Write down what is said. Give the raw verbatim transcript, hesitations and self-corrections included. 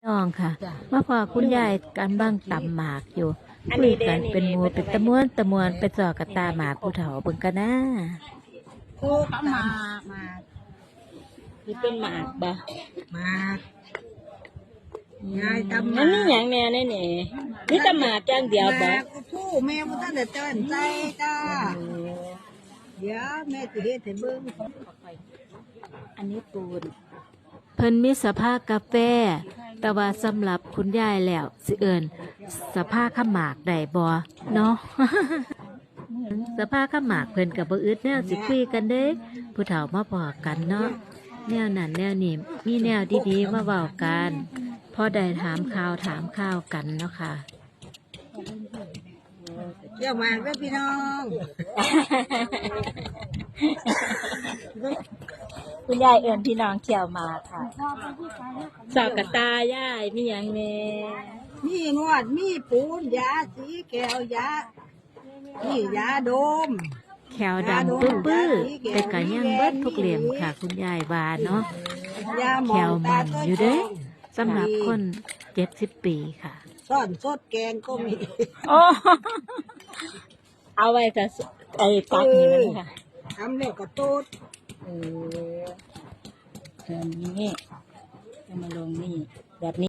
น้องค่ะมาพอคุณยายกันบ้างตำหมากอยู่อันคุนี้ยเด้กันเป็นหมูเป็นตะมวนตะมวนไปจอกับตาหมากผู้เฒ่าเบิ่งกันนะคู่ก็มามานี่เป็นหมากบ่มากยายตำหมัมานนี่หยังแน่แน่แน่นี่แต่หมากอย่างเดียวบ่มากผู้แม่บ่ทันได้เตือนใจจ้าเดี๋ยวแม่สิเฮ็ดให้เบิ่งอันนี้ปูนเพิ่นมีสภาพกาแฟ แต่ว่าสำหรับคุณยายแล้วสิเอิ้นสภาพข้าวหมากได้บ่เนาะ สภาพข้าวหมากเพิ่นก็บ่อึดแนวสิคุยกันเด้ผู้เฒ่ามาบอกกันเนาะแนวนั้นแนวนี้มีแนวดีๆมาเว้ากันพอได้ถามข่าวถามข่าวกันเนาะค่ะเดี๋ยวมาเด้อพี่น้องคุณยายเอิ้นพี่น้องเที่ยวมาค่ะสอกกระตายายมีหยังแน่มีนวดมีปูนยาสีแก้วยานี่ยาดมแขวดำปื้อปื้อๆแต่ก็ยังเบิดทุกเหลี่ยมค่ะ คุณยายว่าเนาะยาหมแขอวงมัตาน ต้นอยู่เด้สำหรับคนเจ็ดสิบปีค่ะซ่อนสดแกงก็มีโอ้เอาไว้กับไอ้ตักนี่มันค่ะทำแล้วก็ตูดเออแบบนี้จะมาลงนี่แบบนี้